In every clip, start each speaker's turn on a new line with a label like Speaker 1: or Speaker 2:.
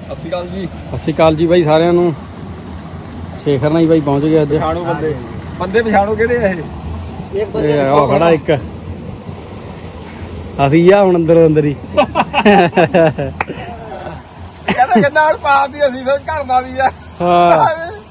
Speaker 1: ਸਤਿ ਸ਼੍ਰੀ ਅਕਾਲ ਜੀ।
Speaker 2: ਸਤਿ ਸ਼੍ਰੀ ਅਕਾਲ ਜੀ ਬਾਈ ਸਾਰਿਆਂ ਨੂੰ। ਸ਼ੇਖਰ ਨਾਲ ਹੀ ਬਾਈ ਪਹੁੰਚ ਗਿਆ ਅੱਜ।
Speaker 1: ਪਛਾਣੋ ਬੰਦੇ ਪਛਾਣੋ ਕਿਹੜੇ ਆ
Speaker 2: ਇਹ ਆ ਖੜਾ ਇੱਕ ਅਸੀਂ ਆ ਹੁਣ ਅੰਦਰੋਂ ਅੰਦਰ ਹੀ
Speaker 1: ਕਹਿੰਦਾ ਕਿੰਨਾ ਹੜ ਪਾਤੀ ਅਸੀਂ ਫਿਰ ਘਰ ਦਾ ਵੀ ਆ।
Speaker 2: ਹਾਂ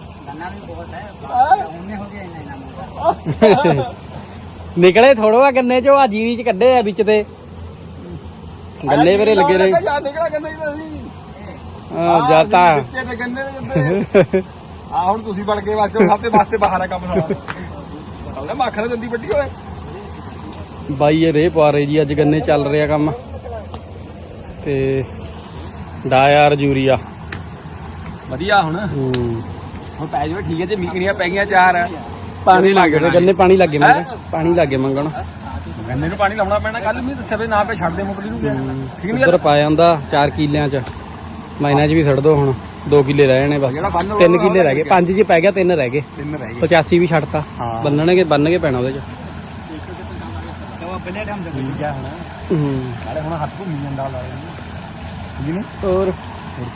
Speaker 2: ਨਿਕਲੇ ਥੋੜੋ ਆ ਗੰਨੇ ਚੋਂ ਆ ਜੀਰੀ ਚ ਕੱਢੇ ਆ ਵਿੱਚ ਤੇ ਗੰਨੇ ਵੀਰੇ ਲੱਗੇ ਰਹੇ।
Speaker 1: ਨਿਕਲਿਆ ਕਹਿੰਦਾ ਅਸੀਂ
Speaker 2: ਜਾਤਾ
Speaker 1: ਗੰਨੇ ਦੇ ਆ ਹੁਣ ਤੁਸੀਂ ਬਣ ਕੇ ਵਾਚੋ ਸਭ ਤੇ ਵਾਸਤੇ ਬਾਹਰ ਆ ਕੰਮ ਸਾਰਾ ਮੱਖ ਨਾਲ ਦੰਦੀ ਵੱਡੀ ਹੋਏ
Speaker 2: ਬਾਈ ਇਹ ਰੇ ਪਾ ਰਹੇ ਜੀ ਅੱਜ ਗੰਨੇ ਚੱਲ ਰਿਹਾ ਕੰਮ ਤੇ ਡਾਇਰ ਯੂਰੀਆ
Speaker 1: ਵਧੀਆ ਹੁਣ ਪੈ ਜਾਵੇ ਠੀਕ ਹੈ ਜੇ ਮੀਕਣੀਆਂ ਪੈ ਗਈਆਂ ਚਾਰ
Speaker 2: ਪਾਣੀ ਲੱਗ ਗਿਆ ਗੰਨੇ ਪਾਣੀ ਲੱਗੇ ਮੰਗਣ ਪਾਣੀ ਲੱਗੇ ਮੰਗਣ
Speaker 1: ਗੰਨੇ ਨੂੰ ਪਾਣੀ ਲਾਉਣਾ ਪੈਣਾ ਕੱਲ ਵੀ ਦੱਸਿਆ ਨਾ ਪੇ ਛੱਡ ਦੇ ਮੁਕਲੀ ਨੂੰ ਠੀਕ ਨਹੀਂ
Speaker 2: ਉਧਰ ਪਾ ਜਾਂਦਾ 4 ਕਿੱਲਿਆਂ ਚ ਮਾਈਨਾਂ ਚ ਵੀ ਛੱਡ ਦੋ ਹੁਣ 2 ਕਿੱਲੇ ਰਹਿ ਜਾਣੇ ਬਸ 3 ਕਿੱਲੇ ਰਹਿ ਗਏ 5 ਜੀ ਪੈ ਗਿਆ 3 ਰਹਿ ਗਏ 85 ਵੀ ਛੱਡਤਾ ਬੰਨ ਕੇ ਪੈਣਾ ਉਹਦੇ ਚ
Speaker 1: ਹੁਣ ਹੱਥ ਘੁੰਮੀ ਜਾਂਦਾ
Speaker 2: ਹੋਰ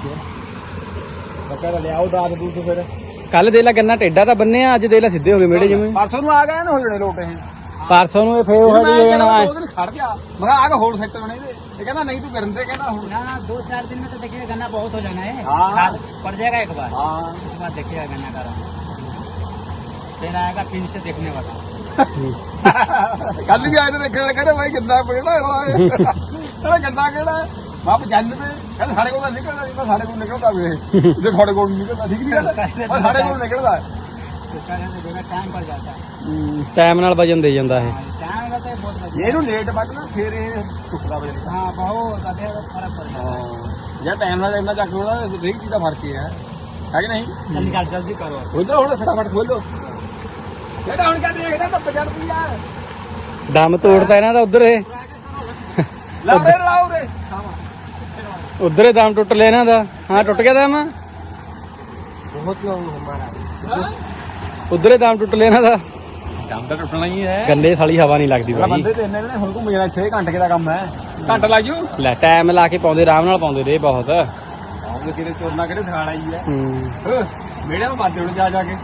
Speaker 1: ਲਿਆਓ ਦਾਦ ਦੂਦ ਫਿਰ
Speaker 2: ਕੱਲ ਦੇ ਲਾ ਗੰਨਾ ਟੇਡਾ ਤਾਂ ਬੰਨਿਆ ਅੱਜ ਦੇ ਲਾ ਸਿੱਧੇ ਹੋ ਗਏ ਮੇੜੇ ਜਿਵੇਂ
Speaker 1: ਪਰਸੋਂ ਨੂੰ ਆ ਗਏ ਨਾ ਹੋ ਜਣੇ ਲੋਟ ਇਹ
Speaker 2: ਪਰਸੋਂ ਨੂੰ ਇਹ ਫੇਰ ਉਹ
Speaker 1: ਖੜ ਗਿਆ ਮੈਂ ਆ ਕੇ ਹੋਰ ਸੈਕਟਰ ਬਣੇ ये कहना नहीं तू करते कहना
Speaker 3: ना 2-4 दिन में तो देखिएगा गन्ना बहुत हो जाना है। हाँ। पड़ जाएगा एक बार। हाँ। उसके बाद देखिएगा गन्ना का रंग फिर आएगा फिर से देखने वाला
Speaker 1: कल भी आए थे देखने लगे भाई गंदा पड़ा गंदा केड़ा वाप जन में कहते साढ़े को निकलता साढ़े को निकलता जो थोड़े को निकलता ठीक नहीं साढ़े को निकलता
Speaker 3: टाइम पड़ जाता है
Speaker 2: टाइम नाल वजन दे जांदा है
Speaker 1: ਇਹਨੂੰ ਲੇਟ ਵੱਢਣਾ ਫਿਰ ਇਹ ਟੁਕੜਾ ਵਜੇ
Speaker 3: ਹਾਂ ਬਹੁਤ ਅੱਧੇ ਫਰਕ ਪੜ ਜਾਂਦਾ
Speaker 1: ਯਾਰ ਟਾਈਮ ਨਾਲ ਇੰਨਾ ਚੱਕ ਲੋਣਾ ਹਰੇਕ ਚੀਜ਼ ਦਾ ਫਰਕ ਹੀ ਹੈ ਕਿ ਨਹੀਂ
Speaker 3: ਨਿਕਾਲ ਜਲਦੀ ਕਰੋ
Speaker 1: ਉਧਰ ਹੁਣ ਫਟਾਫਟ ਖੋਲੋ ਇਹਦਾ ਹੁਣ ਕਹਿੰਦੇ ਇਹਦਾ ਤਾਂ 50 ਰੁਪਿਆ
Speaker 2: ਦਮ ਤੋੜਦਾ ਇਹਨਾਂ ਦਾ ਉਧਰ ਇਹ
Speaker 1: ਲਾੜੇ ਲਾਓ ਰੇ
Speaker 2: ਉਧਰ ਹੀ ਦਮ ਟੁੱਟ ਲਿਆ ਇਹਨਾਂ ਦਾ ਹਾਂ ਟੁੱਟ ਗਿਆ ਦਮ
Speaker 3: ਬਹੁਤ ਲੋਗ ਹਮਾਰਾ
Speaker 2: ਉਧਰ ਹੀ ਦਮ ਟੁੱਟ ਲਿਆ ਇਹਨਾਂ ਦਾ
Speaker 1: ਦਮ ਤਾਂ ਟੁੱਟਣਾ ਹੀ ਹੈ
Speaker 2: ਗੰਨੇ ਸਾਲੀ ਹਵਾ ਨਹੀਂ ਲੱਗਦੀ ਬਾਈ
Speaker 1: ਬੰਦੇ ਤੇ ਇੰਨੇ ਨੇ ਹੁਣ ਘੁੰਮ ਜਾਣਾ ਇੱਥੇ ਘੰਟੇ ਦਾ ਕੰਮ ਹੈ ਘੰਟਾ ਲੱਗ ਜੂ
Speaker 2: ਲੈ ਟਾਈਮ ਲਾ ਕੇ ਪਾਉਂਦੇ ਆਰਾਮ ਨਾਲ ਪਾਉਂਦੇ ਰੇ ਬਹੁਤ
Speaker 1: ਆਉਂਦੇ ਕਿਤੇ ਚੋਰਨਾ ਕਿਹੜੇ ਦਿਖਾਣਾ ਹੀ ਹੈ ਮੇੜੇ ਨੂੰ ਬਾਦੇ ਹੁਣ ਜਾ ਕੇ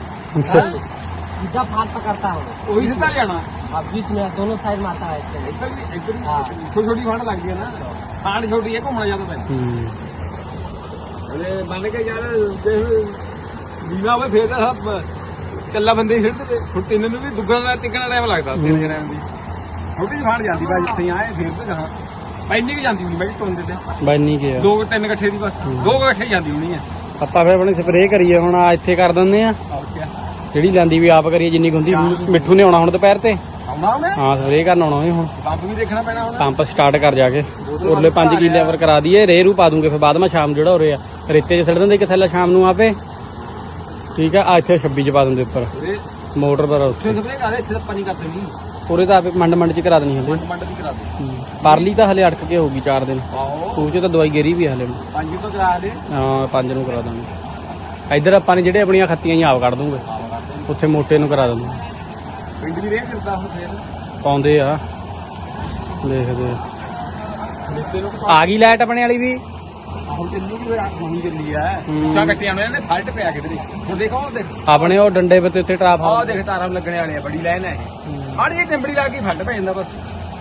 Speaker 3: सीधा फाल पकड़ता है
Speaker 1: ਉਹੀ ਸਿੱਧਾ ਜਾਣਾ
Speaker 3: अब बीच में दोनों साइड मारता है इसके
Speaker 1: ਇੱਧਰ ਵੀ ਛੋਟੀ ਛੋਟੀ ਫਾਂਡ ਲੱਗਦੀ ਹੈ ਨਾ ਫਾਂਡ ਛੋਟੀ ਹੈ ਘੁੰਮਣਾ ਜ਼ਿਆਦਾ ਪੈਂਦਾ ਉਹਦੇ ਮੰਨ ਕੇ ਯਾਰ ਬੀਮਾ ਹੋਵੇ ਫੇਰ ਤਾਂ ਸਭ ਕੱਲਾ ਬੰਦੇ ਹੀ ਸਿੱਧੇ ਤੇ ਛੁੱਟੀ ਨੂੰ ਵੀ ਦੁੱਗਣਾ ਤਿੱਕਣਾ ਟਾਈਮ ਲੱਗਦਾ 3 ਜਣਿਆਂ ਦੀ ਛੋਟੀ ਜਿਹੀ ਫਾਂਡ ਜਾਂਦੀ ਬਾਈ ਜਿੱਥੇ ਆਏ ਫੇਰ ਤੇ ਜਹਾਂ ਪੈਣੀ ਵੀ ਜਾਂਦੀ ਹੋਣੀ ਬਾਈ ਟੋਂਦੇ ਤੇ
Speaker 2: ਬਾਈ ਨਹੀਂ ਗਿਆ
Speaker 1: 2-3 ਇਕੱਠੇ ਦੀ ਬਸ 2 ਇਕੱਠੇ ਜਾਂਦੀ ਹੋਣੀ ਹੈ
Speaker 2: ਆਪਾਂ ਫੇਰ ਆਪਣੀ ਸਪਰੇਅ ਕਰੀਏ ਹੁਣ ਆ ਇੱਥੇ ਕਰ ਦਿੰਦੇ ਆ ਜਿਹੜੀ ਲੈਂਦੀ ਵੀ ਆਪ ਕਰੀਏ ਜਿੰਨੀ ਹੁੰਦੀ ਮਿੱਠੂ ਨੇ ਆਉਣਾ ਹੁਣ ਦੁਪਹਿਰ ਤੇ
Speaker 1: ਆਉਣਾ ਉਹਨੇ
Speaker 2: ਹਾਂ ਸਪਰੇਅ ਕਰਨ ਆਉਣਾ ਉਹਨੇ ਹੁਣ
Speaker 1: ਪੰਪ ਵੀ ਦੇਖਣਾ ਪੈਣਾ ਹੁਣ
Speaker 2: ਪੰਪ ਸਟਾਰਟ ਕਰ ਜਾ ਕੇ ਉਰਲੇ 5 ਕਿੱਲੇ ਪਰ ਕਰਾ ਦਈਏ ਰੇਰੂ ਪਾ ਦੂੰਗੇ ਫਿਰ ਬਾਅਦ ਮੈਂ ਸ਼ਾਮ ਜਿਹੜਾ ਹੋ ਰਿਹਾ ਰੇਤੇ 'ਚ ਸੜ ਦਿੰਦੇ ਕਿੱਥੇ ਸ਼ਾਮ ਨੂੰ ਆਪੇ ਠੀਕ ਆ ਇੱਥੇ 26 ਚ ਪਾ ਦਿੰਦੇ ਉੱਪਰ ਮੋਟਰ ਪਰ ਉੱਥੇ
Speaker 1: ਸਪਰੇਅ ਕਰਦੇ ਇੱਥੇ ਤਾਂ ਪਾਣੀ ਕਰਦੇ ਨਹੀਂ
Speaker 2: ਉਰੇ ਤਾਂ ਆਪੇ ਮੰਡ ਚ ਕਰਾ ਦੇਣੀ ਹਲੇ
Speaker 1: ਮੰਡ ਵੀ ਕਰਾ ਦੇ
Speaker 2: ਪਰਲੀ ਤਾਂ ਹਲੇ ਅੜਕ ਕੇ ਹੋਊਗੀ 4 ਦਿਨ
Speaker 1: ਆਹੋ
Speaker 2: ਉਹ 'ਚ ਤਾਂ ਦਵਾਈ ਗੇਰੀ ਵੀ ਹਲੇ
Speaker 1: 5 ਤੋਂ ਕਰਾ ਦੇ
Speaker 2: ਹਾਂ 5 ਨੂੰ ਕਰਾ ਦਾਂਗੇ ਇੱਧਰ ਆਪਾਂ ਨੇ ਜਿਹੜੇ ਆਪਣੀਆਂ ਖੱਤੀਆਂ ਹੀ ਆਪ ਕੱਢ ਦੂੰਗੇ ਉੱਥੇ ਮੋਟੇ ਨੂੰ ਕਰਾ ਦੂੰਗੇ
Speaker 1: ਪਿੰਡ ਵੀ ਰੇਹ ਕਰਦਾ ਹੁਣ ਫੇਰ
Speaker 2: ਪਾਉਂਦੇ ਆ ਦੇਖਦੇ ਆ ਗਈ ਲਾਈਟ ਆਪਣੇ ਵਾਲੀ ਵੀ
Speaker 1: ਹੁਣ ਚੱਲੂ ਵੀ ਹੋਣੀ ਚੱਲੀ ਆ ਉੱਚਾ ਕੱਟਿਆ ਉਹਨਾਂ ਨੇ ਫਲਟ ਪਿਆ ਕਿਧਰੇ ਹੁਣ ਦੇਖੋ ਉਹ ਦੇਖ
Speaker 2: ਆਪਣੇ ਉਹ ਡੰਡੇ ਪੱਤੇ ਉੱਤੇ ਟਰਾਫ
Speaker 1: ਆਹ ਦੇਖ ਤਾਰਾਂ ਲੱਗਣੇ ਵਾਲੇ ਆ ਬੜੀ ਲਾਈਨ ਹੈ ਆੜੀ ਇਹ ਟੈਂਬੜੀ ਲਾ ਕੇ ਫਲਟ ਪੈ ਜਾਂਦਾ ਬਸ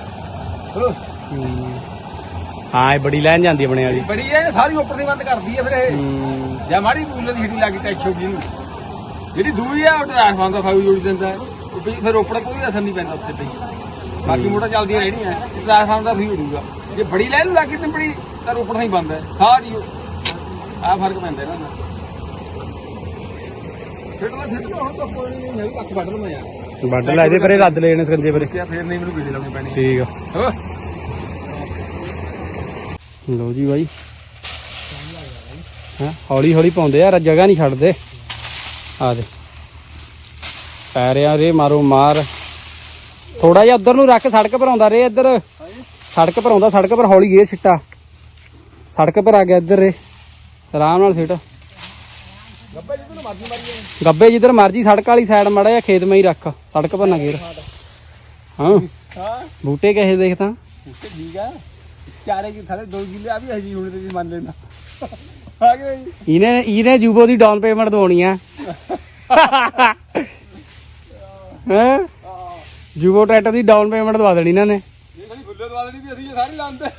Speaker 2: ਹਾਂ ਇਹ ਬੜੀ ਲਾਈਨ ਜਾਂਦੀ ਆਪਣੇ ਵਾਲੀ
Speaker 1: ਬੜੀ ਹੈ ਸਾਰੀ ਉੱਪਰ ਦੀ ਬੰਦ ਕਰਦੀ ਹੈ ਫਿਰ ਇਹ ਜਾਂ ਮਾੜੀ ਬੂਲ ਦੀ ਹਿੱਡੀ ਲਾ ਕੇ ਟੈਚ ਹੋ ਗਈ ਇਹਨੂੰ ਜਿਹੜੀ ਦੂਈ ਆ ਉਹ ਟ੍ਰਾਂਸਫਾਰਮਰ ਦਾ ਫਾਇੂ ਜੋੜ ਦਿੰਦਾ ਉਹ ਫਿਰ ਉੱਪਰ ਕੋਈ ਅਸਰ ਨਹੀਂ ਪੈਂਦਾ ਉੱਤੇ ਪਈ ਬਾਕੀ ਮੋਟਰ ਚੱਲਦੀਆਂ ਰਹਿਣੀਆਂ ਟ੍ਰਾਂਸਫਾਰਮਰ ਦਾ ਫੀ ਉਡੂਗਾ ਜੇ ਬੜੀ ਲਾਈਨ ਲਾ ਕੇ ਟੈਂਬੜੀ ਤਾਂ ਉੱਪਰ ਨਹੀਂ ਬੰਦ ਹੈ ਸਾਰੀ ਆ ਫਰਕ ਪੈਂਦਾ ਇਹਨਾਂ ਦਾ ਫਿਰ ਤਾਂ ਹੁਣ ਤਾਂ ਕੋਈ ਨਹੀਂ ਕੱਖ ਵੱਢ ਲਵਾਂ ਯਾਰ
Speaker 2: ਵੱਢ ਲੈ ਇਹਦੇ ਪਰੇ ਰੱਦ ਲੈ ਜਾਣੇ ਸਕੰਜੇ ਪਰੇ
Speaker 1: ਫਿਰ ਨਹੀਂ ਮੈਨੂੰ ਬਿਜਲੀ ਲਾਉਣੀ ਪੈਣੀ
Speaker 2: ਠੀਕ ਆ ਲੋ ਜੀ ਬਾਈ ਹਾਂ ਹੌਲੀ ਹੌਲੀ ਪਾਉਂਦੇ ਯਾਰ ਜਗ੍ਹਾ ਨਹੀਂ ਛੱਡਦੇ ਆ ਦੇ ਪੈ ਰਿਹਾ ਰੇ ਮਾਰੋ ਮਾਰ ਥੋੜਾ ਜਿਹਾ ਉਧਰ ਨੂੰ ਰੱਖ ਸੜਕ ਪਰ ਆਉਂਦਾ ਰੇ ਇੱਧਰ ਸੜਕ ਪਰ ਆਉਂਦਾ ਸੜਕ ਪਰ ਹੌਲੀ ਗੇ ਸਿੱਟਾ ਸੜਕ ਪਰ ਆ ਗਿਆ ਇੱਧਰ ਰੇ ਆਰਾਮ ਨਾਲ ਸਿੱਟ ਗੱਬੇ ਜਿੱਧਰ ਮਰਜੀ ਸੜਕ ਵਾਲੀ ਸਾਈਡ ਮਾੜਾ ਜਿਹਾ ਖੇਤ ਮੈਂ ਹੀ ਰੱਖ ਸੜਕ ਪਰ ਨਾ ਗੇਰ ਹਾਂ ਬੂਟੇ ਕਹੇ ਦੇਖ ਤਾਂ
Speaker 1: ਠੀਕ ਆ ਚਾਰੇ ਕੀ ਥਲੇ 2 ਕਿੱਲੇ ਆ ਵੀ ਹਜੀ ਹੁਣ ਤੇ ਮੰਨ ਲੈਣਾ ਆ ਗਏ ਜੀ
Speaker 2: ਇਹਨੇ ਜੂਬੋ ਦੀ ਡਾਊਨ ਪੇਮੈਂਟ ਦਵਾਉਣੀ ਆ ਹੈ ਜੂਬੋ ਟਰੈਕਟਰ ਦੀ ਡਾਊਨ ਪੇਮੈਂਟ ਦਵਾ ਦੇਣੀ ਇਹਨਾਂ ਨੇ
Speaker 1: ਇਹ ਸਾਡੀ ਫੁੱਲੇ ਦਵਾ ਦੇਣੀ ਵੀ ਅਸੀਂ ਸਾਰੇ ਲਾਉਂਦੇ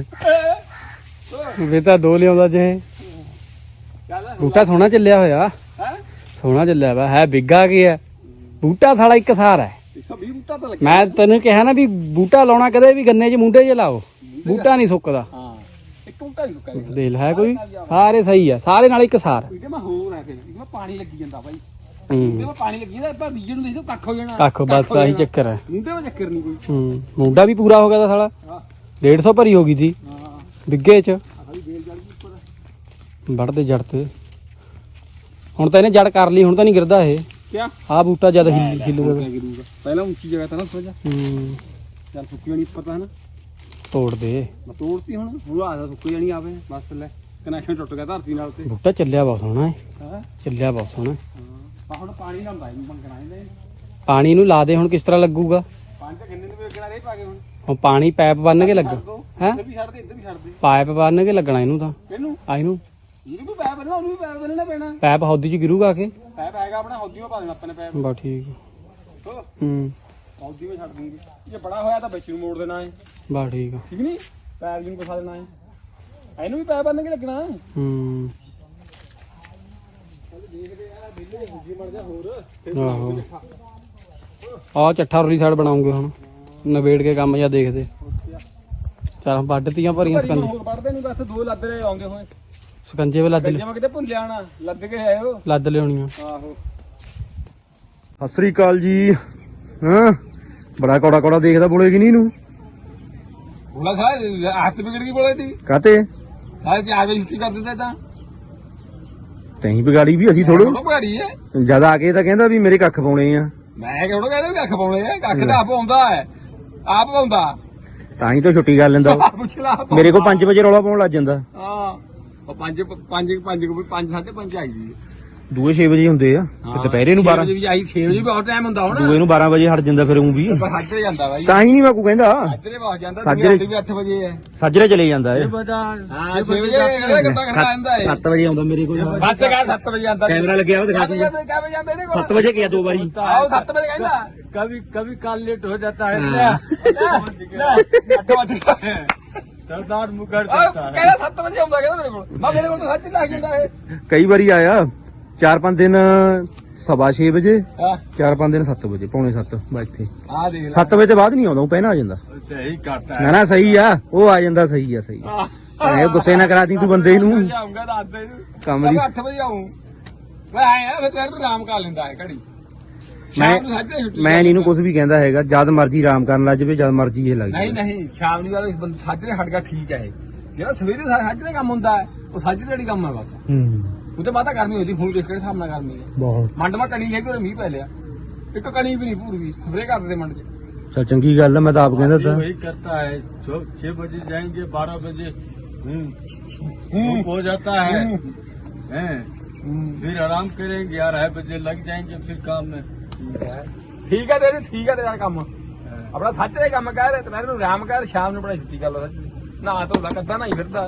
Speaker 2: ਵੇ ਤਾਂ ਦੋ ਲਿਆਉਂਦਾ ਜੇ
Speaker 1: ਚੱਲ
Speaker 2: ਬੂਟਾ ਸੋਹਣਾ ਚੱਲਿਆ ਹੋਇਆ
Speaker 1: ਹੈ
Speaker 2: ਸੋਹਣਾ ਚੱਲਿਆ ਵਾ ਹੈ ਬਿੱਗਾ ਕੀ ਹੈ ਬੂਟਾ ਸਾਲਾ ਇੱਕ ਸਾਰ ਹੈ
Speaker 1: 120 ਬੂਟਾ ਤਾਂ ਲੱਗਿਆ
Speaker 2: ਮੈਂ ਤੈਨੂੰ ਕਿਹਾ ਨਾ ਵੀ ਬੂਟਾ ਲਾਉਣਾ ਕਦੇ ਵੀ ਗੰਨੇ 'ਚ ਮੁੰਡੇ 'ਚ ਲਾਓ ਬੂਟਾ ਨਹੀਂ ਸੁੱਕਦਾ
Speaker 1: ਹਾਂ ਇੱਕ ਬੂਟਾ ਹੀ ਸੁੱਕਾ
Speaker 2: ਦੇਖ ਹੈ ਕੋਈ ਸਾਰੇ ਸਹੀ ਆ ਸਾਰੇ ਨਾਲ ਇੱਕ ਸਾਰ
Speaker 1: ਇਹਦੇ ਮੈਂ ਹੋਰ ਹੈ ਫਿਰ ਇਹਦੇ ਮੈਂ ਪਾਣੀ ਲੱਗੀ ਜਾਂਦਾ ਬਾਈ ਇਹਦੇ ਮੈਂ ਪਾਣੀ ਲੱਗੀ ਜਾਂਦਾ ਆਪਾਂ ਬੀਜਣ ਨੂੰ ਦੇਖੋ ਕੱਖ ਹੋ ਜਾਣਾ
Speaker 2: ਕੱਖ ਬਸ ਆਹੀ ਚੱਕਰ ਹੈ
Speaker 1: ਮੁੰਡੇ ਵਿੱਚ ਚੱਕਰ ਨਹੀਂ ਕੋਈ
Speaker 2: ਮੁੰਡਾ ਵੀ ਪੂਰਾ ਹੋ ਗਿਆ ਤਾਂ ਸਾਲਾ
Speaker 1: ਹਾਂ
Speaker 2: 150 ਭਰੀ ਹੋ ਗਈ ਸੀ
Speaker 1: ਹਾਂ
Speaker 2: ਬਿੱਗੇ 'ਚ
Speaker 1: ਆ ਸਾਡੀ ਬੇਲ ਜੜ ਗਈ ਉੱਪਰ
Speaker 2: ਵੱਢਦੇ ਜੜ ਤੇ ਹੁਣ ਤਾਂ ਇਹਨੇ ਜੜ ਕਰ ਲਈ ਹੁਣ ਤਾਂ ਨਹੀਂ ਗਿਰਦਾ ਇਹ
Speaker 1: ਕਿਆ
Speaker 2: ਆਹ ਬੂਟਾ ਜਦ ਹਿੱਲੂਗਾ
Speaker 1: ਗਿਰੂਗਾ ਪਹਿਲਾਂ ਉੱਚੀ ਜਗ੍ਹਾ ਤਾਂ ਨਾ ਥੋੜਾ ਚੱਲ ਸੁੱਕੀ ਜਾਣੀ ਉੱਪਰ ਤਾਂ ਹਨਾ
Speaker 2: ਤੋੜ ਦੇ
Speaker 1: ਮੈਂ ਤੋੜਤੀ ਹੁਣ ਆ ਜਾ ਸੁੱਕੀ ਜਾਣੀ ਆਵੇ ਬਸ ਲੈ ਕਨੈਕਸ਼ਨ ਟੁੱਟ ਗਿਆ ਧਰਤੀ ਨਾਲ ਤੇ
Speaker 2: ਬੂਟਾ ਚੱਲਿਆ ਬਹੁਤ ਸੋਹਣਾ ਹੈ
Speaker 1: ਹਾਂ
Speaker 2: ਚੱਲਿਆ ਬਹੁਤ ਸੋਹਣਾ
Speaker 1: ਹਾਂ ਹੁਣ ਪਾਣੀ ਲਾਉਂਦਾ ਇਹਨੂੰ ਮੰਗਣਾ ਇਹਦੇ
Speaker 2: ਪਾਣੀ ਨੂੰ ਲਾ ਦੇ ਹੁਣ ਕਿਸ ਤਰ੍ਹਾਂ ਲੱਗੂਗਾ
Speaker 1: ਪਾਣੀ ਤਾਂ ਕਿੰਨੇ ਨੂੰ ਵੇਖਣਾ ਰੇ ਪਾ ਕੇ
Speaker 2: ਹੁਣ ਪਾਣੀ ਪਾਈਪ ਬੰਨ ਕੇ ਲੱਗ ਹੈ
Speaker 1: ਇੱਧਰ ਵੀ ਛੱਡ ਦੇ ਇੱਧਰ ਵੀ ਛੱਡ ਦੇ
Speaker 2: ਪਾਈਪ ਬੰਨ ਕੇ ਲੱਗਣਾ ਇਹਨੂੰ ਤਾਂ
Speaker 1: ਇਹਨੂੰ
Speaker 2: ਇਹਨੂੰ
Speaker 1: ਇਹਨੂੰ ਵੀ ਪੈਪ ਬਣਨਾ ਉਹਨੂੰ ਵੀ ਪੈਪ ਦੇਣਾ ਪੈਣਾ
Speaker 2: ਪੈਪ ਹੌਦੀ 'ਚ ਗਿਰੂਗਾ ਆ ਕੇ
Speaker 1: ਪੈਪ ਹੈਗਾ ਆਪਣਾ ਹੌਦੀਓ ਪਾ ਦੇਣਾ ਆਪਾਂ ਨੇ ਪੈਪ
Speaker 2: ਬਸ ਠੀਕ
Speaker 1: ਹੋ ਹੌਦੀ ਵਿੱਚ ਛੱਡ ਦੂੰਗੀ ਜੇ ਬੜਾ ਹੋਇਆ ਤਾਂ ਵਿੱਚ ਨੂੰ ਮੋੜ ਦੇਣਾ ਹੈ
Speaker 2: ਬਸ ਠੀਕ
Speaker 1: ਠੀਕ ਨਹੀਂ ਪੈਪ ਨੂੰ ਫਸਾ ਦੇਣਾ ਹੈ ਇਹਨੂੰ ਵੀ ਪੈਪ ਬੰਨ ਕੇ ਲੱਗਣਾ ਹੈ ਦੇਖਦੇ ਆ ਬਿੱਲੇ ਦੂਜੀ ਮਰ ਜਾ ਹੋਰ ਫਿਰ
Speaker 2: ਆਹੋ ਆਹ ਚੱਠਾ ਉਰਲੀ ਸਾਈਡ ਬਣਾਉਂਗੇ ਹੁਣ ਨਵੇੜ ਕੇ ਕੰਮ ਜਾਂ ਦੇਖਦੇ ਚੱਲ ਵੱਢਤੀਆਂ ਭਰੀਆਂ ਸਕੰਜੇ
Speaker 1: ਹੋਰ ਵੱਢਦੇ ਨਹੀਂ ਬਸ ਦੋ ਲੱਦ ਰਹੇ ਆਉਂਦੇ ਹੋਏ
Speaker 2: ਸਕੰਜੇ ਵੇ ਲੱਦ
Speaker 1: ਜੇ ਮੈਂ ਕਿਤੇ ਭੁੱਲ ਆਣਾ ਲੱਦ ਕੇ ਆਇਓ
Speaker 2: ਲੱਦ ਲਿਆਉਣੀਆਂ
Speaker 1: ਆਹੋ
Speaker 4: ਸਤਿ ਸ੍ਰੀ ਅਕਾਲ ਜੀ ਹਾਂ ਬੜਾ ਕੌੜਾ ਕੌੜਾ ਦੇਖਦਾ ਬੋਲੇਗੀ ਨਹੀਂ ਇਹਨੂੰ
Speaker 1: ਬੋਲਾ ਸਾਹ ਹੱਥ ਵਿਗੜ ਗਈ ਬੋਲੇ ਦੀ
Speaker 4: ਕਾਤੇ
Speaker 1: ਸਾਹ 4 ਵਜੇ ਛੁੱਟੀ ਕਰ ਦਿੰਦਾ ਤਾਂ
Speaker 4: ਤੈਂ ਵਿਗਾੜੀ ਵੀ ਅਸੀਂ ਥੋੜੋ
Speaker 1: ਥੋੜਾ ਭਾਰੀ ਹੈ
Speaker 4: ਜਦ ਆ ਕੇ ਤਾਂ ਕਹਿੰਦਾ ਵੀ ਮੇਰੇ ਕੱਖ ਪਾਉਣੇ ਆ
Speaker 1: ਮੈਂ ਕਿਹੜਾ ਕਹਿੰਦਾ ਵੀ ਕੱਖ ਪਾਉਣੇ ਆ ਕੱਖ ਤਾਂ ਆਪ ਆਉਂਦਾ ਹੈ ਆਪ ਪਾਉਂਦਾ
Speaker 4: ਤਾਂ ਹੀ ਤਾਂ ਛੁੱਟੀ ਕਰ ਲੈਂਦਾ ਉਹ।
Speaker 1: ਪੁੱਛ ਲਾ
Speaker 4: ਮੇਰੇ ਕੋਲ 5 ਵਜੇ ਰੌਲਾ ਪਾਉਣ ਲੱਗ ਜਾਂਦਾ
Speaker 1: ਹਾਂ ਉਹ 5 5:30 ਆਈ ਜੀ
Speaker 4: ਦੂਏ 6 ਵਜੇ ਹੁੰਦੇ ਆ ਤੇ ਦੁਪਹਿਰੇ ਨੂੰ 12
Speaker 1: ਵਜੇ ਵੀ ਆਈ 6 ਵਜੇ ਵੀ ਬਹੁਤ ਟਾਈਮ ਹੁੰਦਾ ਹੁਣ
Speaker 4: ਦੂਏ ਨੂੰ 12 ਵਜੇ ਹਟ ਜਾਂਦਾ ਫਿਰ ਉਹ ਵੀ
Speaker 1: ਪਰ ਸਾਜਰੇ ਜਾਂਦਾ ਬਾਈ
Speaker 4: ਤਾਂ ਹੀ ਨਹੀਂ ਮੈਂ ਕੋ ਕਹਿੰਦਾ
Speaker 1: ਸਾਜਰੇ ਬਹੁਤ ਜਾਂਦਾ
Speaker 4: ਸਾਜਰੇ
Speaker 1: ਵੀ 8 ਵਜੇ ਹੈ
Speaker 4: ਸਾਜਰੇ ਚਲੇ ਜਾਂਦਾ ਏ
Speaker 1: ਹਾਂ 6 ਵਜੇ ਇਹ ਘੰਟਾ ਘੰਟਾ ਆਂਦਾ ਹੈ
Speaker 4: 7 ਵਜੇ ਆਉਂਦਾ ਮੇਰੇ ਕੋਲ
Speaker 1: ਬੱਤ ਕਾ 7 ਵਜੇ ਆਂਦਾ
Speaker 4: ਕੈਮਰਾ ਲੱਗਿਆ ਉਹ ਦਿਖਾ
Speaker 1: ਕਿਆ ਵਜੇ ਜਾਂਦਾ ਇਹਨੇ
Speaker 4: 7 ਵਜੇ ਗਿਆ 2 ਵਾਰੀ
Speaker 1: ਆਓ 7 ਵਜੇ ਕਹਿੰਦਾ
Speaker 3: कभी कभी काल लेट हो जाता है
Speaker 1: 8 ਵਜੇ
Speaker 3: सरदार मुकर
Speaker 1: ਕਹਿੰਦਾ 7 ਵਜੇ ਆਉਂਦਾ ਕਹਿੰਦਾ ਮੇਰੇ ਕੋਲ ਤਾਂ ਸੱਚ ਲੱਗ ਜਾਂਦਾ ਇਹ
Speaker 4: ਕਈ ਵਾਰੀ ਆਇਆ 4-5 ਦਿਨ 6:15 ਵਜੇ
Speaker 1: ਹਾਂ
Speaker 4: 4-5 ਦਿਨ 7 ਵਜੇ ਪੌਣੇ 7 ਬਸ ਇੱਥੇ
Speaker 1: ਆ ਦੇਖ ਲੈ
Speaker 4: 7 ਵਜੇ ਤੋਂ ਬਾਅਦ ਨਹੀਂ ਆਉਂਦਾ ਉਹ ਪਹਿਲਾਂ ਆ ਜਾਂਦਾ
Speaker 3: यही करता
Speaker 4: ਨਾ ਨਾ ਸਹੀ ਆ ਉਹ ਆ ਜਾਂਦਾ ਸਹੀ ਆ ਸਹੀ ਐ ਗੁੱਸੇ ਨਾ ਕਰਾ ਦੀ ਤੂੰ ਬੰਦੇ ਨੂੰ
Speaker 1: ਆਉਂਗਾ ਰਾਤ ਦੇ
Speaker 4: ਕੰਮ ਦੀ
Speaker 1: 8 ਵਜੇ ਆਉਂ ਮੈਂ ਆਇਆ ਫਿਰ ਤੇਰੇ ਆਰਾਮ ਕਰ ਲੈਂਦਾ ਹੈ ਘੜੀ ਸ਼ਾਮ ਨੂੰ ਸਾਜਰੇ ਛੁੱਟੀ
Speaker 4: ਮੈਂ ਇਹਨੂੰ ਕੁਝ ਵੀ ਕਹਿੰਦਾ ਹੈਗਾ ਜਦ ਮਰਜੀ ਆਰਾਮ ਕਰਨ ਲੱਗ ਜਾਵੇ ਜਦ ਮਰਜੀ ਇਹ ਲੱਗ
Speaker 1: ਨਹੀਂ
Speaker 4: ਜਾਵੇ
Speaker 1: ਨਹੀਂ ਸ਼ਾਮ ਨੂੰ ਵਾਲੇ ਬੰਦੇ ਸਾਜਰੇ ਹਟ ਗਿਆ ਠੀਕ ਹੈ ਇਹ ਜਿਹੜਾ ਸਵੇਰੇ ਸਾਜਰੇ ਕੰਮ ਹੁੰਦਾ ਹੈ ਉਹ ਸਾਜਰੇ ਵਾਲੀ ਕੰਮ ਹੈ ਬਸ ਉਹ ਤੇ ਮਾਤਾ ਗਰਮੀ ਹੁੰਦੀ ਹੁਣ ਦੇਖ ਕੇ ਸਾਹਮਣਾ ਗਰਮੀ ਹੈ
Speaker 4: ਬਹੁਤ
Speaker 1: ਮੰਡ ਮਾ ਕਣੀ ਲੈ ਕੇ ਮੀਂਹ ਪੈ ਲਿਆ ਇੱਕ ਕਣੀ ਵੀ ਨਹੀਂ ਪੂਰੀ ਸਪਰੇ ਕਰ ਦਿੰਦੇ ਮੰਡ 'ਚ
Speaker 4: ਚਲ ਚੰਗੀ ਗੱਲ ਆ ਮੈਂ ਤਾਂ ਆਪ ਕਹਿੰਦਾ ਤਾਂ
Speaker 3: वही करता है 6 बजे जाएंगे 12 बजे धूप हो जाता है हैं? फिर आराम करेंगे 11 बजे लग जाएंगे फिर काम में
Speaker 1: ਠੀਕ ਹੈ ਤੇਰਾ ਕੰਮ ਆਪਣਾ ਸਾਜਰੇ ਕੰਮ ਕਰ ਤੇ ਮੈਂ ਤੈਨੂੰ ਆਰਾਮ ਕਰ ਸ਼ਾਮ ਨੂੰ ਬੜਾ ਛੁੱਟੀ ਕਰ ਲਾ ਨਾ ਧੋਲਾ ਕੱਦਾ ਨਹੀਂ ਫਿਰਦਾ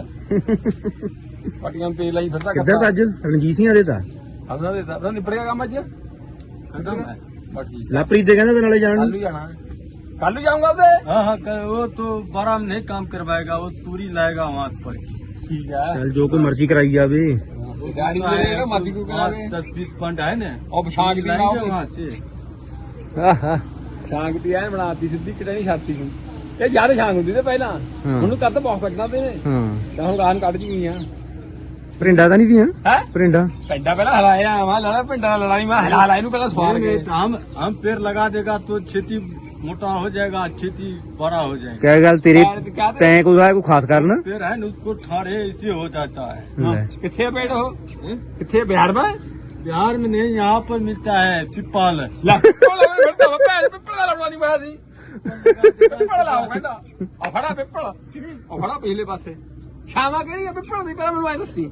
Speaker 1: ਪਟੀਆਂ ਤੇ ਲਾਈ ਫਿਰਦਾ
Speaker 4: ਕਿੱਧਰ ਤਾਂ ਅੱਜ ਰਣਜੀਤ ਸਿੰਘਾਂ ਦੇ ਤਾਂ
Speaker 1: ਆਪਣਾ ਦੇ ਤਾਂ ਨਿਬੜ ਗਿਆ ਕੰਮ ਅੱਜ
Speaker 3: खत्म है
Speaker 1: ਬਾਕੀ
Speaker 4: ਲਾਪਰੀਤ ਦੇ ਕਹਿੰਦਾ ਤੇ ਨਾਲੇ ਜਾਣ
Speaker 1: ਕੱਲ
Speaker 4: ਨੂੰ
Speaker 1: ਨੂੰ ਜਾਣਾ ਕੱਲ ਨੂੰ ਜਾਊਂਗਾ ਉਹਦੇ
Speaker 3: हाँ हाँ वो तो बड़ा में नहीं काम करवाएगा वो तूरी लाएगा वहाँ पर
Speaker 1: ਠੀਕ ਹੈ
Speaker 4: ਚੱਲ ਜੋ ਕੋਈ ਮਰਜ਼ੀ ਕਰਾਈ ਜਾਵੇ
Speaker 1: ਗਾੜੀ ਦੇ ਮਾਦੀ ਕੋ ਕਰਾਵੇ
Speaker 3: 10-20 फंड है ना
Speaker 1: ਉਹ ਪਛਾਂਕ ਦੀ
Speaker 3: लाएंगे वहाँ से
Speaker 4: ਆਹਾ
Speaker 1: ਛਾਂਗ ਦੀ ਐਨ ਬਣਾਤੀ ਸਿੱਧੀ ਕਿਤੇ ਨਹੀਂ ਛਾਤੀ ਨੂੰ ਇਹ ਜਿਆਦਾ ਛਾਂਗ ਹੁੰਦੀ ਤੇ ਪਹਿਲਾਂ
Speaker 4: ਹਾਂ।
Speaker 1: ਹੁਣ ਕਰ ਤਾਂ ਬਹੁਤ ਕੱਟਣਾ ਤੇ ਨੇ
Speaker 4: ਹਾਂ
Speaker 1: ਤਾਂ ਹੁਣ ਗਾਨ ਕੱਢ ਚੁੱਕੀਆਂ
Speaker 4: ਪਰਿੰਡਾ ਤਾਂ ਨਹੀਂ ਦੀਆਂ
Speaker 1: ਹੈ
Speaker 4: ਪਰਿੰਡਾ
Speaker 1: ਪਿੰਡਾ ਪਹਿਲਾਂ ਹਲਾਇਆ ਮੈਂ ਲਾਲਾ ਪਿੰਡਾ ਲੜਾਈ ਮੈਂ ਹਲਾ ਇਹਨੂੰ ਪਹਿਲਾਂ ਸਵਾਰ
Speaker 3: नहीं,
Speaker 1: ਕੇ
Speaker 3: नहीं, तो हम पेड़ लगा देगा तो खेती मोटा हो जाएगा खेती बड़ा हो जाएगा
Speaker 4: ਕਹਿ ਗੱਲ ਤੇਰੇ ਤੈਂ ਕੋਈ ਆ ਕੋਈ ਖਾਸ ਕਰਨ
Speaker 3: पेड़ है ना उसको ठाड़े इससे हो जाता है
Speaker 4: ਲੈ।
Speaker 1: ਕਿੱਥੇ ਪੇੜ ਉਹ
Speaker 3: हैं?
Speaker 1: ਕਿੱਥੇ ਬਿਹਾਰ ਮੈਂ
Speaker 3: बिहार में नहीं यहाँ पर मिलता है पिपाल
Speaker 1: ਲੈ ਉਹ ਲੈ ਫਿਰਦਾ ਭੈਣ ਪਿੱਪਲ ਦਾ ਲੜਵਾ ਨਹੀਂ ਪਾਇਆ ਸੀ ਪਿੱਪਲ ਲਾਓ ਕਹਿੰਦਾ ਆ ਫੜਾ ਪਿੱਪਲ ਆ ਫੜਾ ਪਿਛਲੇ ਪਾਸੇ ਸ਼ਾਮਾ ਕਿਹੜੀ ਆ ਪਿੱਪਲ ਦੀ ਪਹਿਲਾਂ ਮੈਨੂੰ ਐ ਦੱਸੀ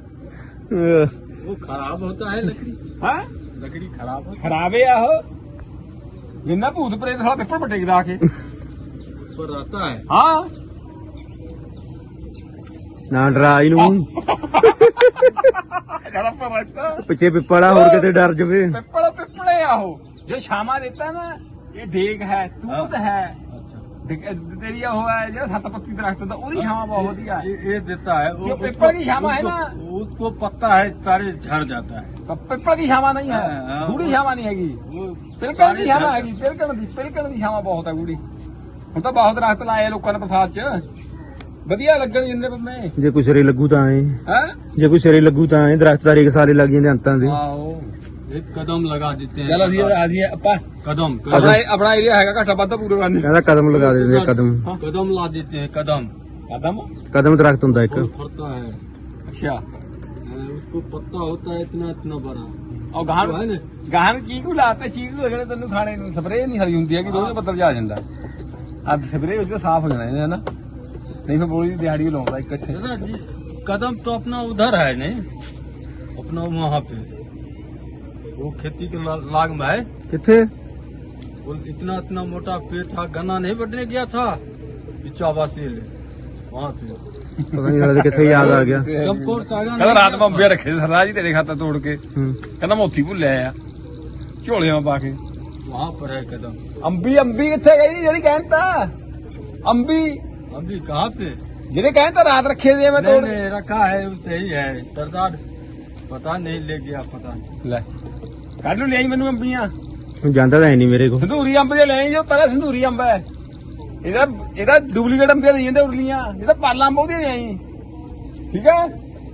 Speaker 3: वो खराब होता है लकड़ी
Speaker 1: ਹੈ
Speaker 3: लकड़ी खराब होता
Speaker 1: ਖਰਾਬੇ ਆ ਉਹ ਜਿੰਨਾ ਭੂਤ ਪ੍ਰੇਤ ਸਾਲਾ ਪਿੱਪਲ ਪਟੇਕਦਾ ਆ ਕੇ
Speaker 3: है पर रहता है
Speaker 1: ਹਾਂ
Speaker 4: ਨਾ ਡਰਾ ਇਹਨੂੰ
Speaker 1: ਕਹਿੰਦਾ ਪਰ
Speaker 4: ਪਿੱਛੇ ਪਿੱਪੜਾ ਹੋਰ ਕਿਤੇ ਡਰ ਜਵੇ।
Speaker 1: ਪਿੱਪਲੇ ਆ ਉਹ ਜੋ ਛਾਵਾਂ ਦਿੱਤਾ ਨਾ ਇਹ ਦੇਖ ਹੈ ਤੂਤ ਹੈ तेरी वो है जो 7 पत्ती दरख्त होता है छावा बहुत बढ़िया है।
Speaker 5: ये देता है
Speaker 1: जो पीपल की छावा है ना
Speaker 5: उसको पत्ता है सारे झड़ जाता है।
Speaker 1: पीपल की छावा नहीं है,
Speaker 5: हाँ,
Speaker 1: गूढ़ी छावा नहीं हैगी,
Speaker 5: वो
Speaker 1: पिलकण की छावा हैगी, पिलकण की छावा बहुत है गूढ़ी। ਹੁਣ ਤਾਂ ਬਹੁਤ ਦਰਖਤ ਲਾਏ ਲੋਕਾਂ ਨੇ ਪ੍ਰਸਾਦ ਚ ਵਧੀਆ ਲੱਗਣ ਜਿੰਨੇ ਬੰਦੇ
Speaker 4: ਜੇ ਕੋਈ ਸਿਰੇ ਲੱਗੂ ਤਾਂ ਐ
Speaker 1: ਹੈ
Speaker 4: ਜੇ ਕੋਈ ਸਿਰੇ ਲੱਗੂ ਤਾਂ ਐ ਦਰਖਤ ਸਾਰੇ ਸਾਲੇ ਲੱਗ ਜਾਂਦੇ ਅੰਤਾਂ ਦੇ।
Speaker 1: ਆਹੋ
Speaker 5: एक कदम लगा देते हैं।
Speaker 1: ਚਲ ਅਸੀਂ ਆਪਾਂ
Speaker 5: कदम
Speaker 1: ਆਪਣਾ ਏਰੀਆ ਹੈਗਾ ਘਾਟਾ ਵੱਧਾ ਪੂਰੇ ਕਰਨੇ
Speaker 4: ਕਹਿੰਦਾ ਕਦਮ ਲਗਾ ਦੇ ਕਦਮ
Speaker 5: कदम ला देते हैं। कदम
Speaker 1: ਕਦਮ
Speaker 4: ਕਦਮ ਦਰਖਤ ਹੁੰਦਾ ਇੱਕ।
Speaker 5: फूल फरता है,
Speaker 1: ਅੱਛਾ
Speaker 5: उसको पत्ता होता है इतना इतना बड़ा।
Speaker 1: ਉਹ ਗਾਹਾਂ
Speaker 5: वो है ना,
Speaker 1: ਗਾਹਾਂ ਚੀਕੂ ਲਾਤੇ ਚੀਕੂ ਜਿਹੜੇ ਤੈਨੂੰ ਖਾਣੇ ਨੂੰ ਸਪਰੇਅ ਨਹੀਂ ਹਰੀ ਹੁੰਦੀ ਹੈ ਕਿ ਰੋਜ਼ ਪੱਤਰ ਜਾ ਜਾਂਦਾ ਅੱਜ ਸਪਰੇਅ ਹੋ ਜਾ ਸਾਫ਼ ਹੋ ਜਾਣਾ ਇਹਨੇ ਹਨਾ ਨਹੀਂ ਫਿਰ ਬੋਲੀ ਦੀ ਦਿਹਾੜੀ ਲਾਉਂਦਾ ਇੱਕ ਇੱਥੇ
Speaker 5: दादा जी कदम तो अपना उधर है नहीं, अपना वहाँ पे वो खेती के लाग में है।
Speaker 4: ਕਿੱਥੇ?
Speaker 5: वो इतना इतना मोटा पेड़ था, गन्ना नहीं बढ़ने गया था पिछावा से वहाँ पे
Speaker 4: ਪਤਾ ਨਹੀਂ ਸਾਲੇ ਕਿੱਥੇ ਯਾਦ ਆ ਗਿਆ।
Speaker 5: चमकोर सागा
Speaker 1: ਕਹਿੰਦਾ ਰਾਤ ਮੈਂ ਅੰਬੇ ਰੱਖੇ ਸਰਦਾਰ ਜੀ ਤੇਰੇ ਖਾਤਾ ਤੋੜ ਕੇ
Speaker 4: ਹੂੰ।
Speaker 1: ਕਹਿੰਦਾ ਮੈਂ ਉੱਥੀ ਭੁੱਲਿਆ ਆ ਝੋਲਿਆਂ ਪਾ ਕੇ
Speaker 5: वहाँ पर है कदम।
Speaker 1: ਅੰਬੀ ਕਿੱਥੇ ਗਈ ਜਿਹੜੀ ਕਹਿੰਦਾ ਅੰਬੀ
Speaker 5: अभी कहाँ पे?
Speaker 1: ਜਿਹੜੇ ਕਹਿੰਦਾ ਰਾਤ ਰੱਖੇ ਦੇ ਮੈਂ
Speaker 5: नहीं
Speaker 1: ਤੋੜ
Speaker 5: नहीं रखा है उससे ही है सरदार, पता नहीं ले गया पता नहीं।
Speaker 1: ਲੈ ਕੱਢ ਨੂੰ ਲਿਆਈ ਮੈਨੂੰ ਅੰਬੀਆਂ
Speaker 4: ਹੁਣ ਜਾਂਦਾ ਤਾਂ ਹੈ ਨਹੀਂ ਮੇਰੇ ਕੋਲ।
Speaker 1: ਸੰਧੂਰੀ ਅੰਬ ਜੇ ਲੈ ਜੋ ਪਹਿਲਾਂ ਸੰਧੂਰੀ ਅੰਬ ਹੈ ਇਹਦਾ ਡੁਪਲੀਕੇਟ ਅੰਬੀਆਂ ਦੇ ਜਾਂਦੇ ਉਰਲੀਆਂ ਇਹਦਾ ਪਾਲਾਂ ਅੰਬ ਉਹਦੀਆਂ ਲਿਆਈ ਠੀਕ ਹੈ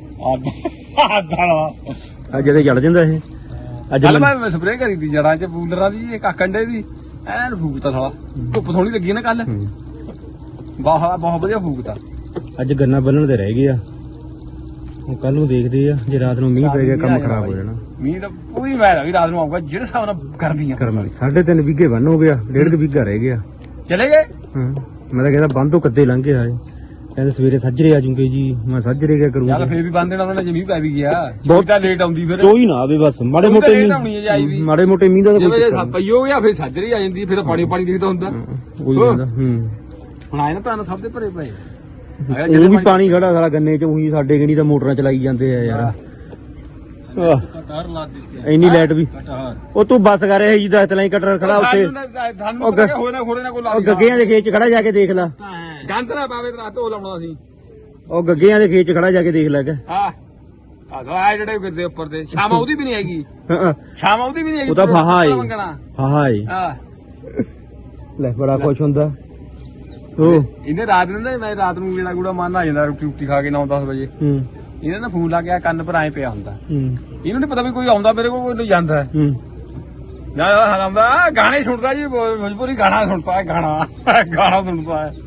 Speaker 1: ਆਦਾ
Speaker 4: ਅੱਜ ਜਿਹੜੇ ਜੜ ਜਾਂਦਾ ਇਹ ਅੱਜ
Speaker 1: ਕੱਲ ਮੈਂ ਸਪਰੇਅ ਕਰੀ ਦੀ ਜੜਾਂ 'ਚ ਬੂਲਰਾਂ ਦੀ ਇਹ ਕਾਕੰਡੇ ਦੀ ਐਨ ਫੂਕਤਾ ਸਾਲਾ ਧੁੱਪ ਸੋਹਣੀ ਲੱਗੀ ਨਾ ਕੱਲ
Speaker 4: ਹੂੰ।
Speaker 1: ਬਹੁਤ ਵਧੀਆ ਫੂਕਤਾ
Speaker 4: ਅੱਜ ਗੰਨਾ ਬੰਨਣ ਦੇ ਰਹਿ ਗਏ ਆ, ਹੁਣ ਕੱਲ ਨੂੰ ਦੇਖਦੇ ਆ ਜੇ ਰਾਤ ਨੂੰ ਮੀਂਹ ਪੈ ਗਿਆ ਕੰਮ ਖਰਾਬ ਹੋ ਜਾਣਾ।
Speaker 1: ਮੀਂਹ ਤਾਂ ਪੂਰੀ ਮੈਲ ਆ ਵੀ ਰਾਤ ਨੂੰ ਆਊਗਾ ਜਿਹੜੇ ਹਿਸਾਬ ਨਾਲ ਗਰਮੀ ਆ
Speaker 4: ਕਰਮ 3.5 ਵਿਗੇ ਬੰਨ ਹੋ ਗਿਆ, 1.5 ਵਿਗਾ ਰਹਿ ਗਿਆ।
Speaker 1: ਚਲੇ ਗਏ
Speaker 4: ਹਾਂ ਮੈਂ ਤਾਂ ਕਹਿੰਦਾ ਬੰਦ ਤੋਂ ਕੱਦੇ ਲੰਘੇ ਆਏ, ਕਹਿੰਦੇ ਸਵੇਰੇ ਸੱਜਰੇ ਆ ਜੂਗੇ ਜੀ। ਮੈਂ ਸੱਜਰੇ ਕਿਆ ਕਰੂੰਗਾ?
Speaker 1: ਚੱਲ ਫੇਰ ਵੀ ਬੰਦ ਦੇਣਾ ਉਹਨਾਂ ਨੇ ਜੇ ਮੀਂਹ ਪੈ ਵੀ ਗਿਆ
Speaker 4: ਬਹੁਤ
Speaker 1: ਬਹੁਤ ਤਾਂ ਲੇਟ ਆਉਂਦੀ ਫਿਰ
Speaker 4: ਕੋਈ ਨਾ ਆਵੇ ਬਸ ਮਾੜੇ ਮੋਟੇ
Speaker 1: ਲੇਟ ਆਉਣੀ ਹੈ ਜੀ ਆਈ ਵੀ
Speaker 4: ਮਾੜੇ ਮੋਟੇ ਮੀਂਹ ਦਾ ਤਾਂ
Speaker 1: ਜਿਵੇਂ
Speaker 4: ਕੋਈ
Speaker 1: ਜੇ ਪਈ ਹੋ ਗਿਆ ਫਿਰ ਸਾਜਰੀ ਆ ਜਾਂਦੀ ਫਿਰ ਤਾਂ ਪਾਣੀ ਦਿਖਦਾ ਹੁੰਦਾ
Speaker 4: ਕੋਈ ਜਾਂਦਾ। ਹੂੰ
Speaker 1: ਹੁਣ ਆਏ ਨਾ ਤਾਂ ਸਭ ਦੇ ਭਰੇ ਪਏ
Speaker 4: ਉਹ ਵੀ ਪਾਣੀ ਖੜਾ ਸਾਲਾ ਗੰਨੇ ਚ ਉਹੀ ਸਾਡੇ ਕਿਹਨੀ ਤਾਂ ਮੋਟਰਾਂ ਚਲਾਈ ਜਾਂਦੇ ਆ ਯਾਰ। ਆਹ,
Speaker 5: कटहर ला देते हैं।
Speaker 4: ਇੰਨੀ ਲਾਈਟ ਵੀ
Speaker 5: कटहर
Speaker 4: ਉਹ ਤੂੰ ਬੱਸ ਕਰ ਰਿਹਾ ਜੀ ਦੱਸ ਤਲਾਈ ਕਟਰ ਖੜਾ ਉੱਥੇ
Speaker 1: ਸਾਨੂੰ ਪਤਾ ਹੋਏ ਨਾ ਖੋੜੇ ਨਾ ਕੋਈ ਲਾ
Speaker 4: ਉਹ ਗੱਗਿਆਂ ਦੇ ਖੇਤ ਚ ਖੜਾ ਜਾ ਕੇ ਦੇਖ ਲੈ।
Speaker 1: ਗੰਦ ਨਾ ਪਾਵੇ ਤੇ ਰਾਤ ਉਹ ਲਾਉਣਾ ਸੀ
Speaker 4: ਉਹ ਗੱਗਿਆਂ ਦੇ ਖੇਤ ਚ ਖੜਾ ਜਾ ਕੇ ਦੇਖ ਲੈ ਕੇ।
Speaker 1: ਹਾਂ ਆ ਜਿਹੜੇ ਗਿਰਦੇ ਉੱਪਰ ਤੇ ਸ਼ਾਮ ਉਹਦੀ ਵੀ ਨਹੀਂ ਹੈਗੀ
Speaker 4: ਹਾਂ
Speaker 1: ਸ਼ਾਮ ਉਹਦੀ ਵੀ ਨਹੀਂ ਹੈਗੀ
Speaker 4: ਉਹ ਤਾਂ ਫਾਹਾ ਏ
Speaker 1: ਮੰਗਣਾ
Speaker 4: ਫਾਹਾ ਏ
Speaker 1: ਹਾਂ
Speaker 4: ਲੈ ਬੜਾ ਖੁਸ਼ ਹੁੰਦਾ ਉਹ।
Speaker 1: ਇਹਨੇ ਰਾਤ ਨੂੰ ਨਾ ਮੈਂ ਰਾਤ ਨੂੰ ਜਿਹੜਾ ਗੂੜਾ ਮਾਰਨਾ ਆ ਜਾਂਦਾ ਰੋਟੀ ਖਾ ਕੇ 9-10 ਵਜੇ
Speaker 4: ਹੂੰ
Speaker 1: ਇਹਨੇ ਨਾ ਫੋਨ ਲਾ ਕੇ ਕੰਨ ਪਰ ਆਏ ਪਿਆ ਹੁੰਦਾ
Speaker 4: ਹੂੰ
Speaker 1: ਇਹਨੂੰ ਨਹੀਂ ਪਤਾ ਵੀ ਕੋਈ ਆਉਂਦਾ ਮੇਰੇ ਕੋਲ ਕੋਈ ਜਾਂਦਾ
Speaker 4: ਹੂੰ
Speaker 1: ਯਾਰ ਹਰਾਮਦਾ ਗਾਣੇ ਸੁਣਦਾ ਜੀ ਭੋਜਪੁਰੀ ਗਾਣਾ ਸੁਣਦਾ ਹੈ ਗਾਣਾ ਸੁਣਦਾ ਹੈ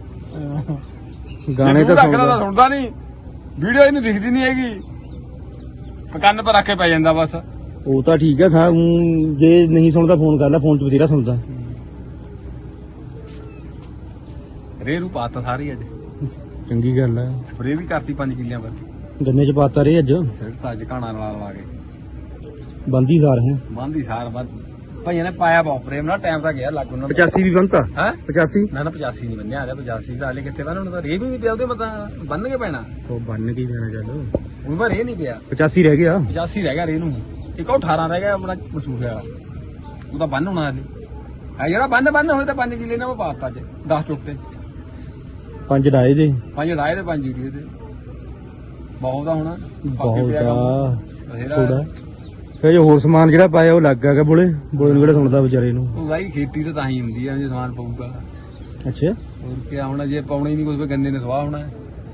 Speaker 4: ਗਾਣੇ ਤਾਂ ਸੁਣਦਾ
Speaker 1: ਸੁਣਦਾ ਨਹੀਂ ਵੀਡੀਓ ਇਹਨੂੰ ਦਿਖਦੀ ਨਹੀਂ ਹੈਗੀ ਕੰਨ ਪਰ ਰੱਖ ਕੇ ਪੈ ਜਾਂਦਾ ਬਸ
Speaker 4: ਉਹ ਤਾਂ ਠੀਕ ਹੈ ਜੇ ਨਹੀਂ ਸੁਣਦਾ ਫੋਨ ਕਰ ਲੈ, ਫੋਨ ਚ ਬਥੇਰਾ ਸੁਣਦਾ।
Speaker 1: ਰੇ ਨੂੰ ਪਾਤਾ ਸਾਰੀ ਅੱਜ
Speaker 4: ਚੰਗੀ ਗੱਲ ਹੈ।
Speaker 1: ਸਪਰੇਅ ਵੀ ਕਰਤੀ 5 ਕਿੱਲਿਆਂ ਪਰ
Speaker 4: ਗੰਨੇ ਚ ਪਾਤਾ ਰੇ ਅੱਜ
Speaker 1: ਫਿਰ ਤਾਂ ਅੱਜ ਘਾਣਾ ਨਾਲ ਲਾ ਕੇ
Speaker 4: ਬੰਦੀ ਸਾਰ ਹੈ।
Speaker 1: ਬੰਦੀ ਸਾਰ ਬੰਦ ਭਾਈਆਂ ਨੇ ਪਾਇਆ ਬਹੁਤ ਪ੍ਰੇਮ ਨਾਲ ਟਾਈਮ ਤਾਂ ਗਿਆ ਲੱਗ ਉਹਨਾਂ
Speaker 4: 85 ਵੀ ਬੰਨਤਾ
Speaker 1: ਹੈ
Speaker 4: 85
Speaker 1: ਨਾ 85 ਨਹੀਂ ਬੰਨਿਆ ਆ 85 ਦਾ ਹਲੇ ਕਿੱਥੇ ਬੰਨ ਹੁਣ ਤਾਂ ਰੇ ਵੀ ਨਹੀਂ ਪਿਆ ਉਹਦੇ ਮਤਾਂ ਬੰਨ ਕੇ ਪੈਣਾ
Speaker 4: ਉਹ ਬੰਨ ਕੀ ਦੇਣਾ ਚੱਲ
Speaker 1: ਹੁਣ ਪਰ ਰੇ ਨਹੀਂ ਪਿਆ
Speaker 4: 85 ਰਹਿ ਗਿਆ
Speaker 1: 85 ਰਹਿ ਗਿਆ ਰੇ ਨੂੰ ਇੱਕ ਉਹ 18 ਰਹਿ ਗਿਆ ਆਪਣਾ ਮਸੂਖੇ ਵਾਲਾ ਉਹ ਤਾਂ ਬੰਨ ਹੋਣਾ ਹਲੇ ਆ ਜਿਹੜਾ ਬੰਨ ਹੋਏ ਤਾਂ 5 ਕਿੱਲੇ ਨੇ ਉਹ ਪਾਤਾ ਅੱਜ 10 ਚੁੱਕਤੇ
Speaker 4: 5 ਡਾਏ ਦੇ
Speaker 1: 5 ਡਾਏ ਤੇ 5 ਯੂਰੀਏ ਤੇ ਬਹੁਤ ਆ ਹੁਣ
Speaker 4: ਬਹੁਤ ਆ
Speaker 1: ਬਥੇਰਾ
Speaker 4: ਥੋੜਾ ਫਿਰ ਜੋ ਹੋਰ ਸਮਾਨ ਜਿਹੜਾ ਪਾਇਆ ਉਹ ਲੱਗ ਗਿਆ ਬੋਲੇ ਨੂੰ ਕਿਹੜਾ ਸੁਣਦਾ ਵਿਚਾਰੇ ਨੂੰ।
Speaker 1: ਉਹ ਭਾਈ ਖੇਤੀ ਤਾਂ ਹੀ ਹੁੰਦੀ ਆ ਜੇ ਸਮਾਨ ਪਊਗਾ
Speaker 4: ਅੱਛਾ
Speaker 1: ਹੋਰ ਕੀ ਹੋਣਾ ਜੇ ਪਾਉਣਾ ਹੀ ਨਹੀਂ ਕੁਝ ਗੰਨੇ ਨੇ ਸਵਾਹ ਹੋਣਾ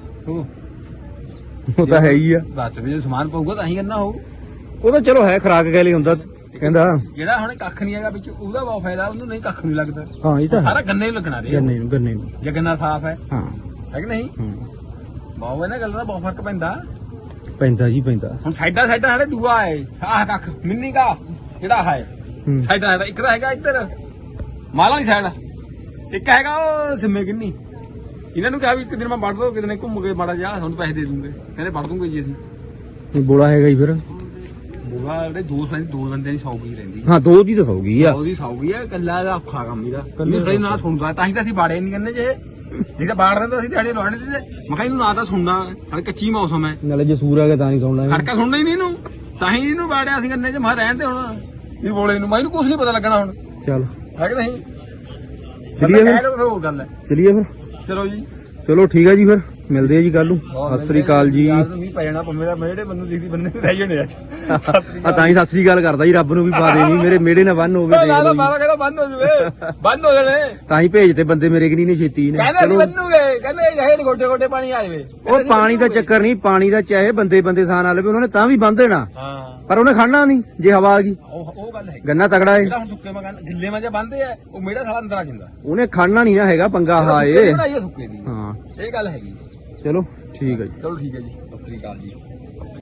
Speaker 4: ਉਹ ਤਾਂ ਹੈ ਹੀ ਆ।
Speaker 1: ਬਾਅਦ ਵਿੱਚ ਜੇ ਸਮਾਨ ਪਊਗਾ ਤਾਂ ਹੀ ਕਰਨਾ ਹੋਊ
Speaker 4: ਉਹ ਤਾਂ ਚਲੋ ਹੈ ਖਰਾਕ ਗੈਲੀ ਹੁੰਦਾ ਕਹਿੰਦਾ।
Speaker 1: ਜਿਹੜਾ ਹੁਣ ਕੱਖ ਨਹੀਂ ਹੈਗਾ ਵਿੱਚ ਉਹਦਾ ਬਹੁਤ ਫਾਇਦਾ ਉਹਨੂੰ ਨਹੀਂ ਕੱਖ ਨਹੀਂ ਲੱਗਦਾ
Speaker 4: ਹਾਂ ਇਹ ਤਾਂ
Speaker 1: ਸਾਰਾ ਗੰਨੇ ਨੂੰ ਲੱਗਣਾ ਰੇ
Speaker 4: ਗੰਨੇ ਨੂੰ
Speaker 1: ਜੇ ਗੰਨਾ ਸਾਫ਼ ਹੈ
Speaker 4: ਹਾਂ
Speaker 1: ਹੈ ਕਿ ਨਹੀਂ ਬਹੁਤ ਇਹਨਾਂ ਗੱਲ ਦਾ ਬਹੁਤ ਫਰਕ ਪੈਂਦਾ
Speaker 4: ਪੈਂਦਾ ਜੀ ਪੈਂਦਾ।
Speaker 1: ਹੁਣ ਸਾਈਡਾਂ ਸਾਡੇ ਦੂਆ ਹੈ ਆਹ ਕੱਖ ਮਿੰਨੀ ਕਾ ਜਿਹੜਾ ਹੈ
Speaker 4: ਹੂੰ।
Speaker 1: ਸਾਈਡਾਂ ਇੱਕ ਤਾਂ ਹੈਗਾ ਇੱਧਰ ਮਾਲਾ ਵਾਲੀ ਸਾਈਡ ਇੱਕ ਹੈਗਾ ਉਹ ਸਿੰਮੇ ਕਿੰਨੀ ਇਹਨਾਂ ਨੂੰ ਕਿਹਾ ਵੀ ਇੱਕ ਦਿਨ ਮੈਂ ਵੜ ਦੋ ਕਿਤੇ ਨੇ ਘੁੰਮ ਕੇ ਮਾੜਾ ਜਾ ਤੁਹਾਨੂੰ ਪੈਸੇ ਦੇ ਦੂੰਗੇ ਕਹਿੰਦੇ ਵੜ ਦੂੰਗੇ ਜੀ ਅਸੀਂ
Speaker 4: ਬੋਲਾ ਹੈਗਾ ਹੀ ਫਿਰ
Speaker 1: ਬੋਲਾ ਜਿਹੜੇ ਦੋ ਬੰਦਿਆਂ ਦੀ ਸੌਗੀ ਰਹਿੰਦੀ
Speaker 4: ਹਾਂ ਦੋ ਦੀ ਤਾਂ ਸੌਗੀ ਆ।
Speaker 1: ਉਹਦੀ ਸੌਗੀ ਆ ਕੱਲਾ ਦਾ ਔਖਾ ਕੰਮ ਇਹਦਾ ਕੱਲੇ ਸਹੀ ਨਾ ਸੁਣਦਾ ਤਾਂ ਹੀ ਤਾਂ ਅਸੀਂ ਬਾੜੇ ਨਹੀਂ ਕਹਿੰਦੇ ਜੇ ਨਹੀਂ ਤਾਂ ਬਾੜ ਦਿੰਦਾ ਸੀ ਦਿਹਾੜੀ ਲਾਉਣੀ ਸੀ। ਮੈਂ ਕਿਹਾ ਇਹਨੂੰ ਨਾ ਤਾਂ ਸੁਣਨਾ ਹਾਲੇ ਕੱਚੀ ਮੌਸਮ ਹੈ,
Speaker 2: ਨਾਲੇ ਜੇ ਸੂਰ ਆ ਗਿਆ ਤਾਂ ਨਹੀਂ ਸੌਣਾ
Speaker 1: ਖੜਕਾ ਸੁਣਨਾ ਹੀ ਨਹੀਂ ਇਹਨੂੰ, ਤਾਂ ਹੀ ਇਹਨੂੰ ਬਾੜਿਆ ਸੀ ਗੰਨੇ 'ਚ। ਮੈਂ ਰਹਿਣ ਦੇ ਹੁਣ ਇਹ ਬੋਲੇ ਨੂੰ, ਮੈਨੂੰ ਕੁਝ ਨਹੀਂ ਪਤਾ ਲੱਗਣਾ ਹੁਣ,
Speaker 2: ਚੱਲ
Speaker 1: ਹੈ ਕਿ ਨਹੀਂ?
Speaker 2: ਚਲੀਏ ਫਿਰ।
Speaker 1: ਕਹਿ ਕੇ ਫਿਰ ਹੋਰ ਗੱਲ ਹੈ।
Speaker 2: ਚਲੀਏ ਫਿਰ।
Speaker 1: ਚਲੋ ਜੀ,
Speaker 2: ਚਲੋ ਠੀਕ ਹੈ ਜੀ, ਫਿਰ ਮਿਲਦੇ ਆ ਜੀ ਕੱਲ ਨੂੰ। ਸਤਿ ਸ੍ਰੀ ਅਕਾਲ ਜੀ।
Speaker 1: ਮੀਂਹ ਪੈ ਜਾਣਾ ਮੇਰਾ, ਮੇਰੇ ਬੰਨੂੰ ਦਿਖਦੀ ਬੰਨੇ ਰਹਿ ਜਾਣੇ ਅੱਜ।
Speaker 2: ਆ ਤਾਂ ਹੀ ਸਤਿ ਸ੍ਰੀ ਅਕਾਲ ਕਰਦਾ ਜੀ, ਰੱਬ ਨੂੰ ਵੀ ਪਾ ਦੇ ਨਹੀਂ ਮੇਰੇ ਮੇੜੇ ਨਾ ਬੰਨ ਹੋਵੇ, ਦੇਖ ਲਓ ਜੀ।
Speaker 1: ਮਾਰਾ ਕਹਿੰਦਾ ਬੰਦ ਹੋ ਜਵੇ, ਬੰਦ ਹੋ ਜਾਣੇ।
Speaker 2: ਤਾਂ ਹੀ ਭੇਜਦੇ ਬੰਦੇ ਮੇਰੇ ਕਿ ਨਹੀਂ ਨੇ ਛੇਤੀ ਨੇ।
Speaker 1: ਕਹਿੰਦੇ ਅਸੀਂ ਬੰਨੂਗੇ, ਕਹਿੰਦੇ ਇਹ ਗੋਡੇ ਗੋਡੇ ਪਾਣੀ ਆ ਜਾਵੇ।
Speaker 2: ਉਹ ਪਾਣੀ ਦਾ ਚੱਕਰ ਨਹੀਂ, ਪਾਣੀ ਦਾ ਚਾਹੇ ਬੰਦੇ ਬੰਦੇ ਸਾਨ ਆ ਲਵੇ, ਉਹਨਾਂ ਨੇ ਤਾਂ ਵੀ ਬੰਨ ਦੇਣਾ,
Speaker 1: ਹਾਂ
Speaker 2: ਪਰ ਉਹਨੇ ਖੜਨਾ ਨਹੀਂ ਜੇ ਹਵਾ ਆ ਗਈ।
Speaker 1: ਉਹ ਗੱਲ ਹੈ।
Speaker 2: ਗੰਨਾ ਤਗੜਾ ਏ,
Speaker 1: ਜਿਹੜਾ ਹੁਣ ਸੁੱਕੇ ਮੈਂ ਗਿੱਲੇ ਮੈਂ ਜੇ ਬੰਨਦੇ ਆ, ਉਹ ਮੇਰਾ ਸਾਲਾ ਅੰਦਰ ਆ ਜਾਂਦਾ।
Speaker 2: ਉਹਨੇ ਖੜਨਾ ਨਹੀਂ ਨਾ ਹੈਗਾ, ਪੰਗਾ ਹਾਏ।
Speaker 1: ਬਣਾਈਏ ਸੁੱਕੇ ਦੀ,
Speaker 2: ਹਾਂ
Speaker 1: ਇਹ ਗੱਲ ਹੈਗੀ।
Speaker 2: ਚਲੋ ਠੀਕ ਹੈ ਜੀ।
Speaker 1: ਚਲੋ ਠੀਕ ਹੈ ਜੀ, ਸਤਿ ਸ੍ਰੀ ਅਕਾਲ ਜੀ।